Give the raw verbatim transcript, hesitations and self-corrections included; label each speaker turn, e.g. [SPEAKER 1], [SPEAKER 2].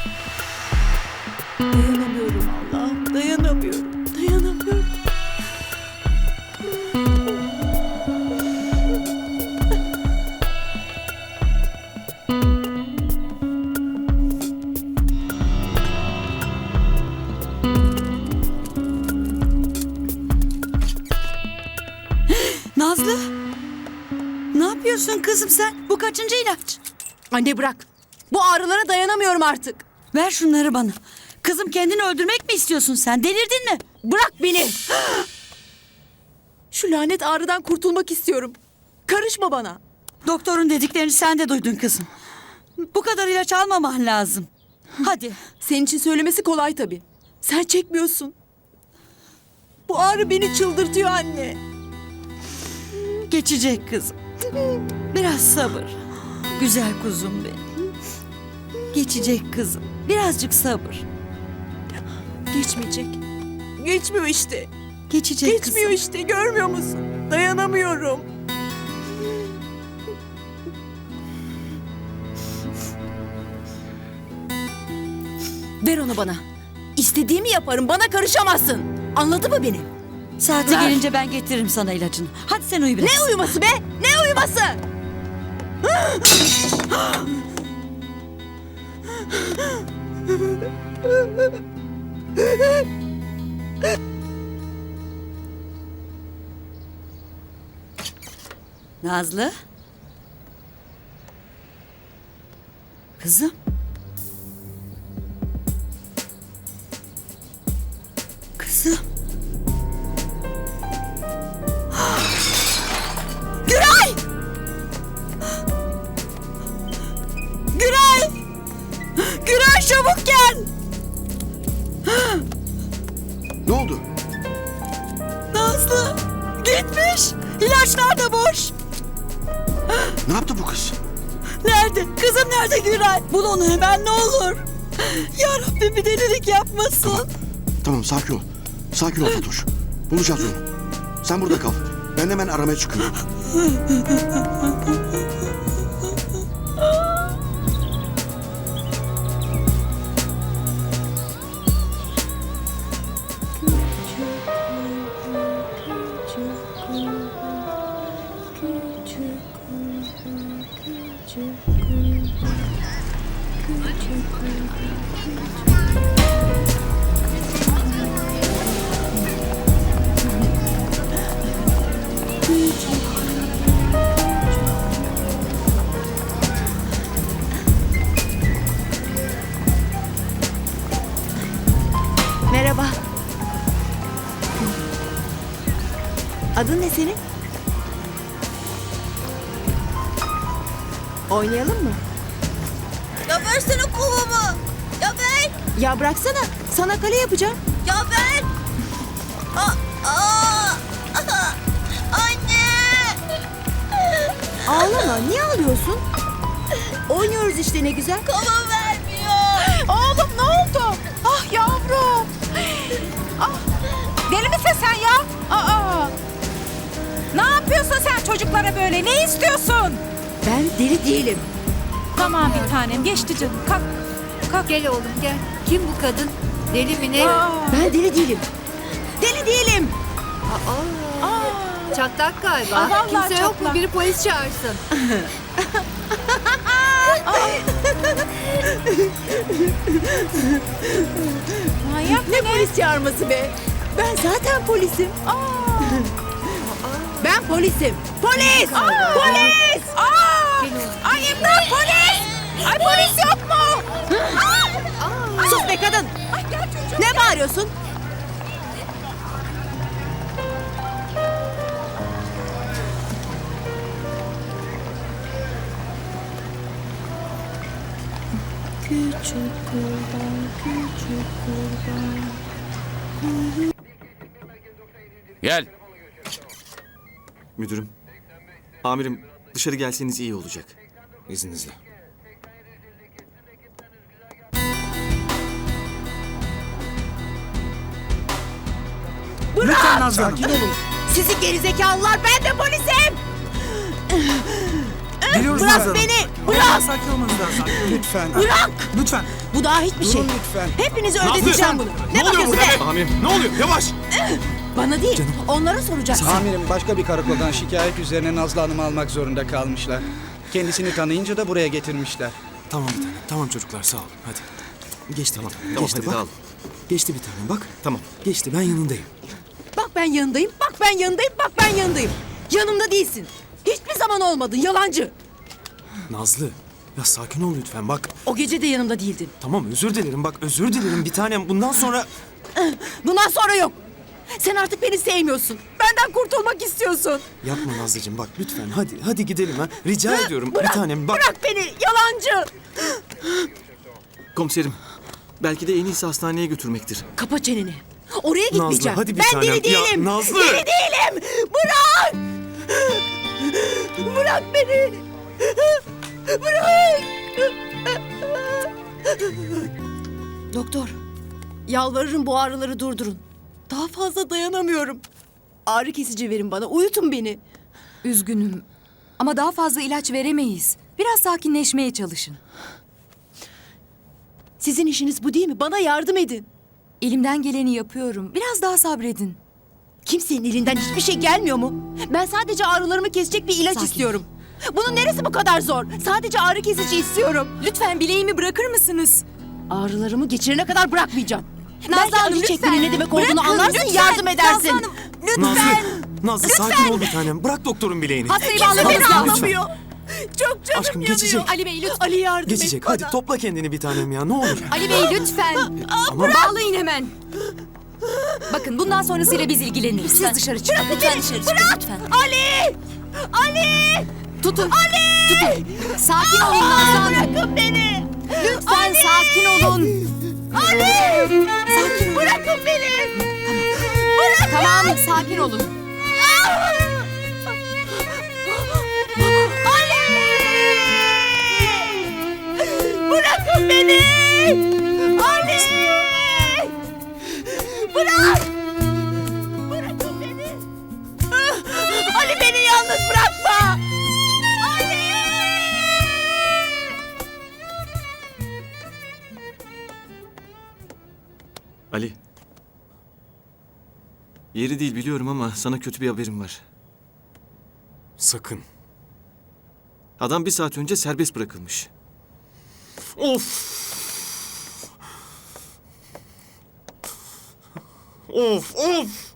[SPEAKER 1] Dayanamıyorum Allah'ım, dayanamıyorum, dayanamıyorum.
[SPEAKER 2] Nazlı, ne yapıyorsun kızım sen? Bu kaçıncı ilaç?
[SPEAKER 1] Anne bırak. Bu ağrılara dayanamıyorum artık.
[SPEAKER 2] Ver şunları bana. Kızım kendini öldürmek mi istiyorsun sen? Delirdin mi?
[SPEAKER 1] Bırak beni. Şu lanet ağrıdan kurtulmak istiyorum. Karışma bana.
[SPEAKER 2] Doktorun dediklerini sen de duydun kızım. Bu kadar ilaç almaman lazım. Hadi.
[SPEAKER 1] Senin için söylemesi kolay tabii. Sen çekmiyorsun. Bu ağrı beni çıldırtıyor anne.
[SPEAKER 2] Geçecek kızım. Biraz sabır. Güzel kuzum benim. Geçecek kızım. Birazcık sabır.
[SPEAKER 1] Geçmeyecek. Geçmiyor işte.
[SPEAKER 2] Geçecek
[SPEAKER 1] Geçmiyor
[SPEAKER 2] kızım.
[SPEAKER 1] işte. Görmüyor musun? Dayanamıyorum. Ver onu bana. İstediğimi yaparım. Bana karışamazsın. Anladın mı beni?
[SPEAKER 2] Saati
[SPEAKER 1] Ver.
[SPEAKER 2] gelince ben getiririm sana ilacını. Hadi sen uyu biraz.
[SPEAKER 1] Ne uyuması be? Ne uyuması?
[SPEAKER 2] Nazlı. Kızım. Kızım. Güray! Güray! Güray çabuk gel!
[SPEAKER 3] Ne oldu?
[SPEAKER 2] Nazlı gitmiş. İlaçlar da boş.
[SPEAKER 3] Ne yaptı bu kız?
[SPEAKER 2] Nerede? Kızım nerede Güray? Bul onu hemen ne olur. Ya Rabbim bir delilik yapmasın.
[SPEAKER 3] Tamam sakin ol. Sakin ol Fatoş. Bulacağız onu. Sen burada kal. Ben hemen aramaya çıkıyorum.
[SPEAKER 1] Merhaba. Adın ne senin? Oynayalım mı?
[SPEAKER 4] Ya versene kovamı. Ya ver.
[SPEAKER 1] Ya bıraksana. Sana kale yapacağım.
[SPEAKER 4] Ya ver. Aa, aa. Anne.
[SPEAKER 1] Ağlama. Niye ağlıyorsun? Oynuyoruz işte ne güzel.
[SPEAKER 4] Kova vermiyor.
[SPEAKER 5] Oğlum ne oldu? Ah yavrum. Ah, deli misin sen ya? Aa. Ne yapıyorsun sen çocuklara böyle? Ne istiyorsun?
[SPEAKER 1] Ben deli değilim.
[SPEAKER 5] Tamam bir tanem geçti canım. Kalk. Kalk.
[SPEAKER 6] Gel oğlum gel. Kim bu kadın? Deli mi ne?
[SPEAKER 5] Aa.
[SPEAKER 1] Ben deli değilim. Deli değilim.
[SPEAKER 6] Aa,
[SPEAKER 5] Aa.
[SPEAKER 6] çatlak galiba.
[SPEAKER 5] Aa, vallahi
[SPEAKER 6] Kimse yok mu?
[SPEAKER 5] çatlak.
[SPEAKER 6] Biri polis çağırsın.
[SPEAKER 5] Manyak
[SPEAKER 1] Ne polis çağırması be? Ben zaten polisim.
[SPEAKER 5] Aa.
[SPEAKER 1] Ben polisim. Polis! Polis!
[SPEAKER 5] Aa.
[SPEAKER 6] Gel oğlum.
[SPEAKER 5] Ay imdat polis! Ay polis yok mu?
[SPEAKER 1] Sus be kadın!
[SPEAKER 5] Ay gel çocuğum.
[SPEAKER 1] Ne bağırıyorsun? Küçük kurban, küçük kurban.
[SPEAKER 7] Gel.
[SPEAKER 8] Müdürüm. Amirim dışarı gelseniz iyi olacak. İzninizle.
[SPEAKER 2] Lütfen Nazlı Hanım.
[SPEAKER 1] Sizi gerizekalılar, ben de polisim!
[SPEAKER 7] Geliyoruz
[SPEAKER 2] Bırak
[SPEAKER 7] Nazlı Hanım.
[SPEAKER 2] beni. Bırak.
[SPEAKER 7] Sakin olmanız lazım. Lütfen.
[SPEAKER 2] Bırak.
[SPEAKER 7] Lütfen.
[SPEAKER 2] Bu daha hiçbir şey.
[SPEAKER 7] Durun lütfen.
[SPEAKER 2] Hepinizi ödeteceğim bunu. Ne, bakıyorsun be?
[SPEAKER 8] Amirim ne oluyor? Yavaş.
[SPEAKER 2] Bana değil. Onlara soracaksın.
[SPEAKER 7] Amirim başka bir karakoldan şikayet üzerine Nazlı Hanım'ı almak zorunda kalmışlar. Kendisini tanıyınca da buraya getirmişler.
[SPEAKER 9] Tamam bir tanem. Tamam çocuklar sağ olun. Hadi. Geçti tamam.
[SPEAKER 8] Tamam
[SPEAKER 9] Geçti
[SPEAKER 8] hadi
[SPEAKER 9] bak.
[SPEAKER 8] dağıl.
[SPEAKER 9] Geçti bir tanem bak.
[SPEAKER 8] Tamam.
[SPEAKER 9] Geçti ben yanındayım.
[SPEAKER 1] Bak ben yanındayım, bak ben yanındayım, bak ben yanındayım. Yanımda değilsin. Hiçbir zaman olmadın, yalancı.
[SPEAKER 9] Nazlı. Ya sakin ol lütfen bak.
[SPEAKER 1] O gece de yanımda değildin.
[SPEAKER 9] Tamam özür dilerim bak özür dilerim bir tanem. Bundan sonra...
[SPEAKER 1] Bundan sonra yok. Sen artık beni sevmiyorsun. Benden kurtulmak istiyorsun.
[SPEAKER 9] Yapma Nazlıcığım bak lütfen hadi hadi gidelim ha. Rica ediyorum
[SPEAKER 1] Bırak,
[SPEAKER 9] bir tanem bak.
[SPEAKER 1] Bırak beni, yalancı.
[SPEAKER 8] Komiserim. Belki de en iyisi hastaneye götürmektir.
[SPEAKER 1] Kapa çeneni. Oraya gitmeyeceğim.
[SPEAKER 9] hadi bir
[SPEAKER 1] ben
[SPEAKER 9] tanem.
[SPEAKER 1] deli
[SPEAKER 9] Ya,
[SPEAKER 1] değilim.
[SPEAKER 9] Nazlı!
[SPEAKER 1] Deli değilim. Bırak. Bırak beni. Bırak. Doktor, yalvarırım bu ağrıları durdurun. Daha fazla dayanamıyorum. Ağrı kesici verin bana, uyutun beni.
[SPEAKER 5] Üzgünüm. Ama daha fazla ilaç veremeyiz. Biraz sakinleşmeye çalışın.
[SPEAKER 1] Sizin işiniz bu değil mi? Bana yardım edin.
[SPEAKER 5] Elimden geleni yapıyorum. Biraz daha sabredin.
[SPEAKER 1] Kimsenin elinden hiçbir şey gelmiyor mu? Ben sadece ağrılarımı kesecek bir ilaç
[SPEAKER 5] Sakin.
[SPEAKER 1] istiyorum. Bunun neresi bu kadar zor? Sadece ağrı kesici istiyorum.
[SPEAKER 5] Lütfen bileğimi bırakır mısınız?
[SPEAKER 1] Ağrılarımı geçirene kadar bırakmayacağım.
[SPEAKER 5] Nazlı
[SPEAKER 1] Belki
[SPEAKER 5] Hanım,
[SPEAKER 1] acı
[SPEAKER 5] lütfen.
[SPEAKER 1] çekmenin ne demek olduğunu
[SPEAKER 5] Bırakın,
[SPEAKER 1] anlarsın,
[SPEAKER 5] lütfen.
[SPEAKER 1] yardım edersin.
[SPEAKER 5] Nazlı Hanım,
[SPEAKER 9] Nazlı.
[SPEAKER 5] lütfen.
[SPEAKER 9] Nazlı sakin ol bir tanem. Bırak doktorun bileğini.
[SPEAKER 5] Hastayı
[SPEAKER 1] Kimse
[SPEAKER 5] bağlamanız
[SPEAKER 1] beni
[SPEAKER 5] lazım.
[SPEAKER 1] anlamıyor. Çok canım
[SPEAKER 9] Aşkım,
[SPEAKER 1] yanıyor.
[SPEAKER 9] geçecek.
[SPEAKER 5] Ali Bey lütfen.
[SPEAKER 1] Ali yardım
[SPEAKER 9] Geçecek
[SPEAKER 1] et
[SPEAKER 9] hadi
[SPEAKER 1] bana.
[SPEAKER 9] topla kendini bir tanem ya ne olur.
[SPEAKER 5] Ali Bey lütfen.
[SPEAKER 9] Ama
[SPEAKER 5] Bağlayın hemen. Bakın bundan sonrasıyla biz ilgileniriz. Siz dışarı çıkın. Lütfen dışarı çıkın. Lütfen.
[SPEAKER 1] Ali! Ali!
[SPEAKER 5] Tutun. Ali! Tutun. Sakin olun Nazlı Hanım.
[SPEAKER 1] Bırakın beni!
[SPEAKER 5] Lütfen sakin olun.
[SPEAKER 1] Ali! Sakin bırakın beni!
[SPEAKER 5] Tamam sakin olun.
[SPEAKER 1] Bırakın beni! Ali! Bırak! Bırakın beni! Ali beni yalnız bırakma! Ali!
[SPEAKER 8] Ali. Yeri değil biliyorum ama sana kötü bir haberim var.
[SPEAKER 9] sakın.
[SPEAKER 8] Adam bir saat önce serbest bırakılmış.
[SPEAKER 9] Of. Of of.